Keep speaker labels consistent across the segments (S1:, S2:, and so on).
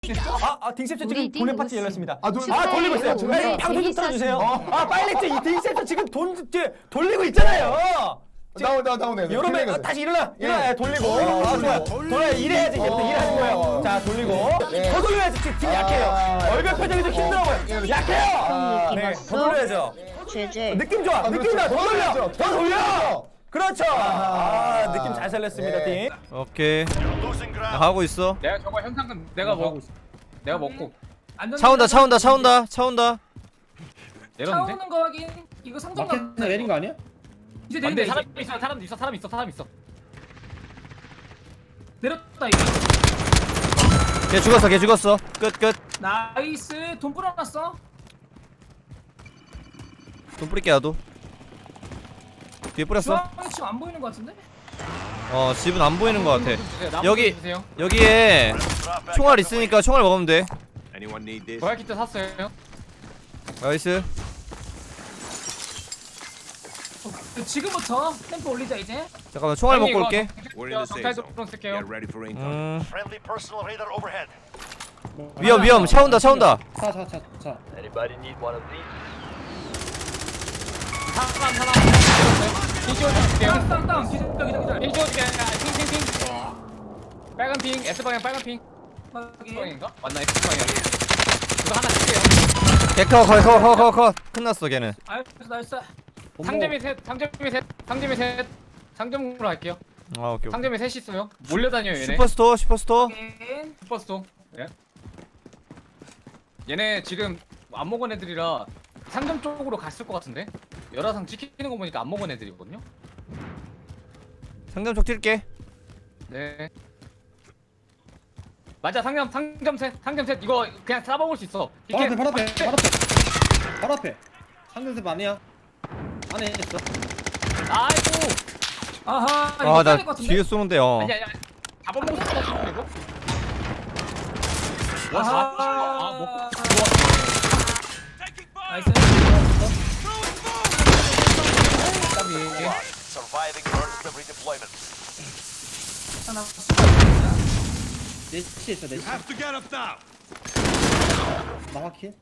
S1: 딩셉션 지금 돈의 파티 열렸습니다.
S2: 돌리고
S1: 있어요.
S2: 저희
S1: 방송 좀 틀어주세요. 빨리 이 딩셉션 지금 돌리고 있잖아요.
S2: 나오네.
S1: 여러분 다시 일어나. 돌리고. 좋아요. 돌아야 이래야지 이제부터 일하는 거예요. 자 돌리고. 더 돌려야지. 지금 약해요. 얼굴 표정이 좀 힘들어 보여. 약해요. 네, 더 돌려야죠. 느낌 좋아. 느낌 좋아. 더 돌려. 더 돌려. 그렇죠. 느낌 잘 살렸습니다, 팀.
S3: 오케이. 나 하고 있어.
S4: 내가 저거 현상금 내가 먹고 있어. 내가 먹고
S3: 차 온다.
S4: 내렸는데?
S5: 차오는 거 확인. 이거 상점
S2: 마켓에 내린 거 아니야?
S5: 이제
S4: 근데
S5: 내린다.
S4: 사람 있어.
S5: 내렸다 이거.
S3: 걔 죽었어. 끝.
S5: 나이스. 돈 뿌려놨어.
S3: 돈 뿌릴게 나도. 뒤에 뿌렸어.
S5: 주황이 지금 안 보이는 거 같은데?
S3: 집은 안 보이는 것 같아.
S4: 나무
S3: 여기
S4: 주세요.
S3: 여기에 총알 있으니까 총알 먹으면 돼.
S4: 보약 키트 샀어요.
S3: 나이스.
S5: 지금부터 템포 올리자 이제.
S3: 잠깐만 총알 먹고 올게.
S4: 정탈 드론 쓸게요.
S6: Friendly personal radar overhead.
S3: 위험. 차 온다.
S2: 차.
S6: Anybody need one of these?
S4: 사람 핑 씌워줄게요.
S5: 땅. 기절.
S4: 핑 씌워줄게. 핑. 빨간 핑. S 방향 빨간 핑.
S5: 확인.
S4: 방향인가? 맞나? S 방향. 이거 하나 쓸게요.
S3: 개커 컷. 끝났어 걔는.
S5: 나이스.
S4: 상점이 셋. 상점으로 할게요.
S3: 오케이.
S4: 상점에 셋 있어요. 몰려다녀요 얘네.
S3: 슈퍼스토어.
S5: 확인.
S4: 슈퍼스토. 예? 얘네 지금 안 먹은 애들이라 상점 쪽으로 갔을 것 같은데? 열화상 지키는 거 보니까 안 먹은 애들이거든요?
S3: 상점 쪽 뛸게.
S4: 네. 맞아, 상점 셋. 이거 그냥 싸먹을 수 있어.
S2: 바로 앞에. 상대세 아니야. 안에 있어.
S4: 아이고.
S5: 아하. 이거
S3: 나
S5: 될것 같은데?
S3: 뒤에 쏘는데.
S4: 아니야. 잡아먹을 수 없어, 이거? 먹고.
S5: 나이스.
S6: Surviving earns redeployment.
S5: 하나.
S2: 넷이 있어.
S6: Have to get up now.
S2: 나가킬.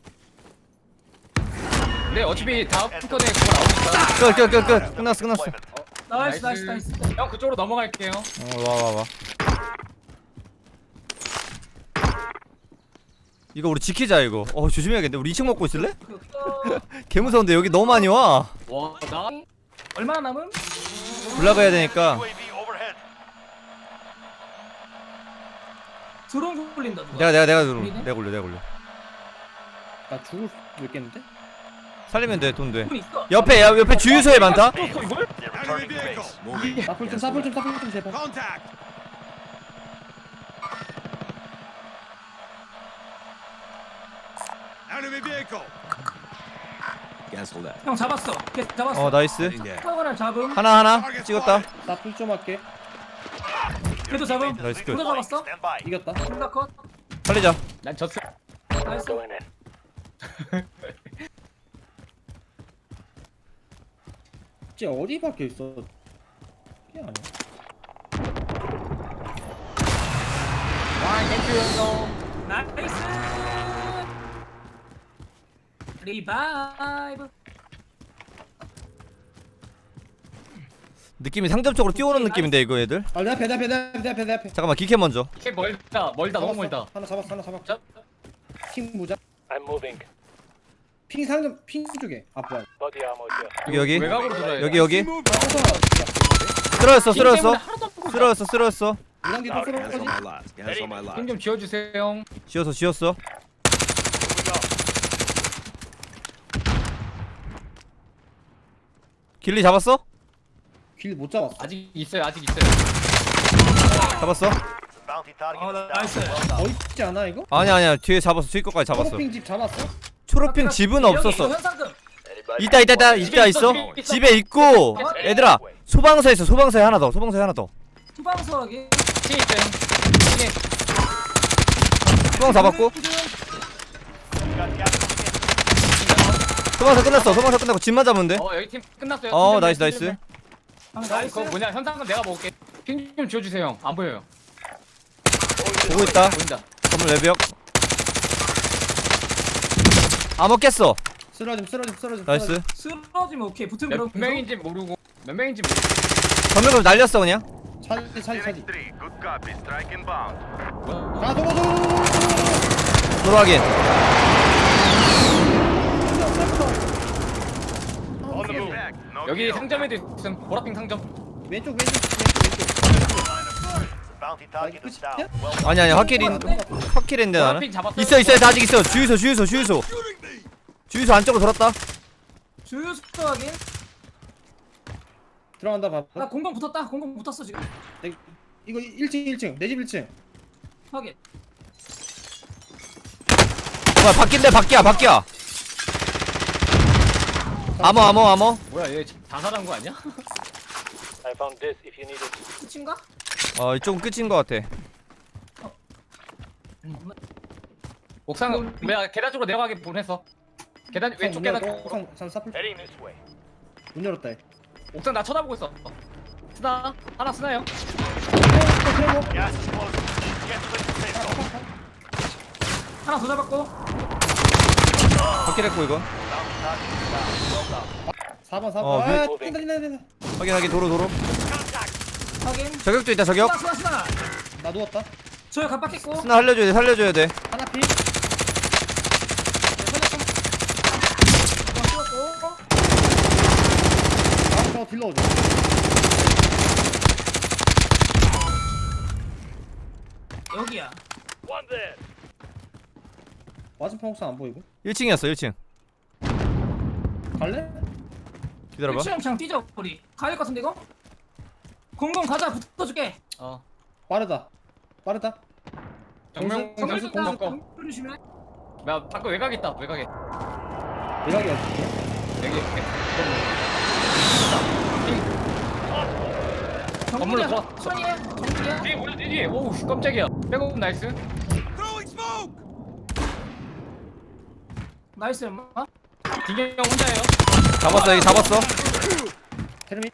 S4: 네, 어차피 다음 턴에 그거 나오니까.
S3: 끝. 끝났어.
S5: 나이스.
S4: 형, 그쪽으로 넘어갈게요.
S3: 와. 이거 우리 지키자 이거. 조심해야겠는데. 우리 2층 먹고 있을래? 개 무서운데 여기 너무 많이 와.
S4: 와, 나
S5: 얼마나 남음?
S3: 올라가야 되니까.
S6: UAV overhead.
S5: 드론 굴린다 누가.
S3: 내가
S5: 우리네?
S3: 내가 올려.
S2: 나 죽을 수 있겠는데?
S3: 살리면 돼. 돈 돼.
S5: 돈 있어.
S3: 옆에 주유소에 많다.
S6: They're returning to base.
S2: 사풀 좀 제발.
S6: Contact. Enemy vehicle. Cancel that.
S5: 형 잡았어. 걔 잡았어.
S3: 나이스.
S5: 사거나 잡음.
S3: 하나 찍었다.
S2: 사풀 좀 할게.
S5: 걔도 잡음.
S3: 나이스 끝.
S5: 둘다 잡았어.
S6: Stand by.
S2: 이겼다.
S5: 둘다 컷.
S3: 살리자.
S4: 난 졌어.
S5: 나이스.
S2: 쟤 어디 박혀 있어? 이게 아니야.
S5: 나이스. 리바이브.
S3: 느낌이 상점 쪽으로 뛰어오는 느낌인데 이거 애들.
S2: 내 앞에.
S3: 잠깐만 기캐 먼저.
S4: 이렇게 멀다, 너무 멀다.
S2: 하나 잡았어.
S4: 자,
S2: 핑 모자.
S6: I'm moving.
S2: 핑 상점 핑 쪽에. 뭐야.
S6: Body ammo here.
S3: 여기.
S4: 외곽으로 돌아야
S3: 여기. 쓰러졌어.
S2: 이랑 뒤로 쏠 거지.
S4: 힘좀 지어주세요.
S3: 지었어. 길리 잡았어?
S2: 길 못 잡았어.
S4: 아직 있어요.
S3: 잡았어?
S6: Bounty target.
S5: 나이스.
S2: 더 있지 않아 이거?
S3: 아니야 뒤에 잡았어. 뒤에 것까지 잡았어.
S2: 초록핑 집 잡았어?
S3: 초록핑 집은 없었어.
S5: 현상금.
S6: Anybody
S3: 있다. 집에 있고. 얘들아 소방서에 하나 더.
S5: 투방수하게.
S4: 층 있어요.
S3: 소방 잡았고. 소방서 끝났고 집만 잡으면 돼.
S4: 여기 팀 끝났어요.
S3: 나이스.
S5: 나이스.
S4: 그거 현상금 내가 먹을게. 핑 좀 지어주세요. 안 보여요.
S3: 보고 있다.
S4: 보인다.
S3: 건물 외벽. 암호 깼어.
S2: 쓰러짐.
S3: 나이스.
S5: 쓰러지면 오케이. 붙으면
S4: 몇
S5: 그럼 계속.
S4: 명인지 모르고 몇 명인지 모르고.
S3: 전멸금 날렸어 그냥.
S2: 차지.
S6: Good copy. Strike inbound.
S2: 아 도로.
S3: 도로 확인.
S6: On the move. No
S4: 여기
S6: kill.
S4: 상점에도 있음. 보라핑 상점.
S2: 왼쪽.
S6: Bounty target is down.
S2: 끝이야?
S6: Well
S3: 아니 확킬인데 나는.
S4: 보라핑 잡았어.
S3: 있어 아직 있어. 주유소 안쪽으로 돌았다.
S5: 주유소 확인.
S2: 들어간다 봐.
S5: 나 공방 붙었다. 공방 붙었어 지금.
S2: 이거 1층. 내 집 1층.
S5: 확인.
S3: 뭐야 바뀌야. 암호.
S4: 뭐야 얘 자살한 거 아니야?
S6: I found this if you need it.
S5: 끝인가?
S3: 이쪽은 끝인 것 같아.
S4: 옥상 내가 계단 쪽으로 내려가게 보냈어. 계단 왼쪽 계단 쪽.
S2: 산 사플.
S6: Heading this way.
S2: 문 열었다.
S4: 옥상 나 쳐다보고 있어. 스나 하나 스나요?
S6: Gas is closing. Get to the safe zone.
S5: 하나 더 잡았고.
S3: 확킬했고 이거.
S6: Bounty target is down. Well done.
S2: 4번.
S3: 어,
S2: 아, 뛴다.
S3: 확인 도로.
S5: 확인.
S3: 저격도 있다 저격.
S5: 스나.
S2: 나 누웠다.
S5: 저요 갑박했고.
S3: 스나 살려줘야 돼.
S2: 하나 피. 다음 저 딜러 오죠.
S5: 여기야.
S6: One there.
S2: 맞은편 옥상 안 보이고.
S3: 1층이었어 1층.
S2: 갈래?
S3: 기다려봐.
S5: 1층 그냥 뛰자 우리. 가야 될 것 같은데 이거? 공공 가자. 붙어줄게.
S4: 어.
S2: 빠르다.
S4: 정명
S2: 공수,
S4: 정수 공 먹고.
S5: 조심해.
S4: 나 밖에 외곽 있다. 외곽에.
S2: 대각이야.
S4: 여기. 건물로 들어.
S5: 천이야. 정리야.
S4: 뒤에 뭐야 뒤에. 오우 씨, 깜짝이야. 백업 나이스.
S5: 나이스 엄마.
S4: 김경 혼자예요.
S3: 잡았어.
S2: 테르미.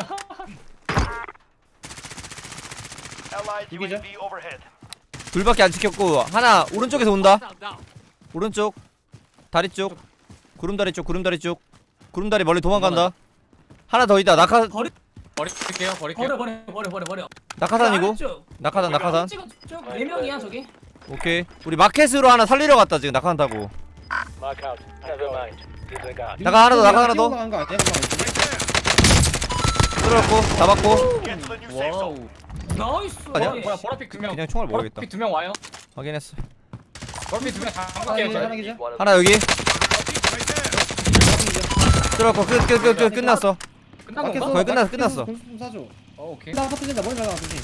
S6: Allied
S2: 이기죠?
S6: UAV overhead.
S3: 둘밖에 안 지켰고 하나 오른쪽에서 온다. 오른쪽 다리 쪽. 구름다리 쪽. 구름다리 멀리 도망간다. 하나 더 있다.
S4: 버릴게요.
S5: 버려.
S3: 낙하산이고.
S5: 쪽.
S3: 낙하산.
S5: 찍어 쭉 4명이야 저기.
S3: 오케이. 우리 마켓으로 하나 살리러 갔다 지금 낙하산 타고.
S6: Mark out. Never mind. Disregard.
S3: 나가 하나 더.
S2: 간거 아니야?
S3: 들어갔고 잡았고.
S6: Get to the new safe zone.
S4: 와우.
S5: 나이스.
S3: 아니야?
S4: 뭐야 보라픽 2명.
S3: 그냥 총알 먹어야겠다.
S4: 보라픽 2명 와요.
S3: 확인했어.
S4: 보라픽 2명 잠글게요.
S2: 하나
S4: 저희.
S2: 기자.
S3: 하나 여기. 들어갔고 끝났어.
S4: 끝난 건가?
S3: 거의 끝났어.
S2: 공수 좀 사줘.
S4: 오케이.
S2: 나 아까 뜯는다. 머리 나가 조심.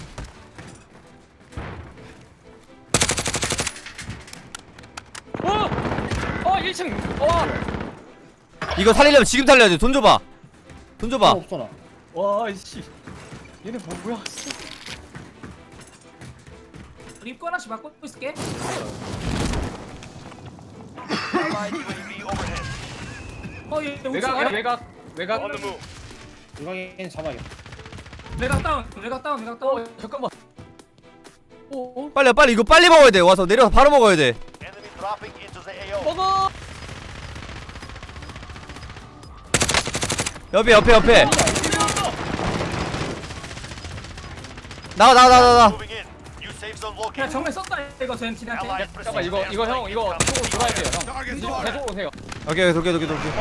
S4: 어 1층. 와.
S3: 이거 살리려면 지금 살려야 돼. 돈 줘봐.
S2: 없어 나.
S4: 와 이씨. 얘네 뭐야?
S5: 입구 하나씩 막고 있을게.
S6: Allied UAV overhead.
S5: 얘
S4: 외곽.
S6: On the move.
S2: 유광이는 잡아야겠다.
S5: 외곽 다운.
S4: 잠깐만.
S3: 빨리 이거 빨리 먹어야 돼. 와서 내려서 바로 먹어야 돼.
S6: Enemy dropping into the AO.
S4: 먹어.
S3: 옆에. 나가.
S6: Moving in. New safe zone
S5: 야
S6: located.
S5: 정면 썼다 이거 전 지나한테.
S6: Allied
S4: 잠깐만 이거 형 이거 쪽으로 돌아야 돼요 형. 이쪽으로 계속 오세요.
S3: 오케이 돌게.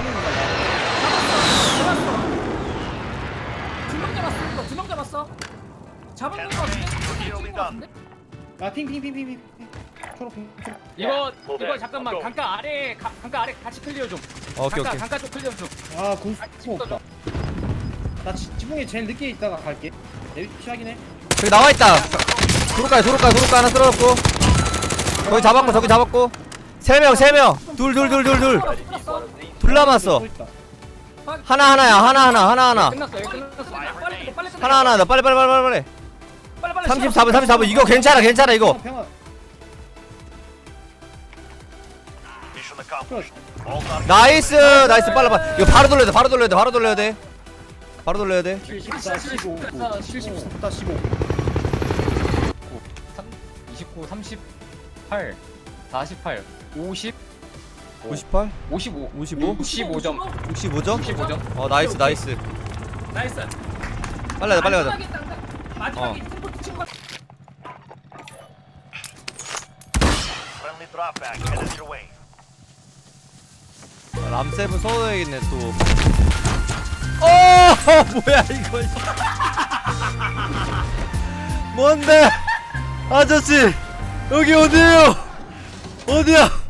S5: 두명 잡았어. 잡은 거
S6: Nearly done.
S2: 아 핑. 초록.
S4: 이거 잠깐만 강가 아래 같이 클리어 좀.
S3: 오케이.
S4: 강가 쪽 클리어 좀.
S2: 아 공수 없다. 나 지붕에 제일 늦게 있다가 갈게. 내 위치 확인해.
S3: 저기 나와 있다. 도로가 하나 떨어졌고. 거기 잡았고. 세 명. 둘 남았어.
S2: 또 있다.
S3: 하나.
S4: 끝났어요.
S5: 빨리.
S3: 하나. 나 빨리. 34분. 이거 괜찮아 이거.
S2: 평화.
S6: Mission accomplished.
S2: 그렇지.
S6: All targets.
S3: 나이스. 빨라. 이거 바로 돌려야 돼.
S2: 74, 15. 15.
S4: 29, 30. 48 48 50
S3: 58?
S4: 55
S3: 55?
S4: 55점
S3: 65점?
S4: 55점
S3: 어 나이스 나이스.
S5: 나이스.
S3: 빨리 가자 빨리 가자.
S5: 마지막에 템포 친구.
S6: Friendly drop back headed your way.
S3: 람세븐 써야겠네 또. 어 뭐야 이거. 뭔데? 아저씨 여기 어디에요? 어디야?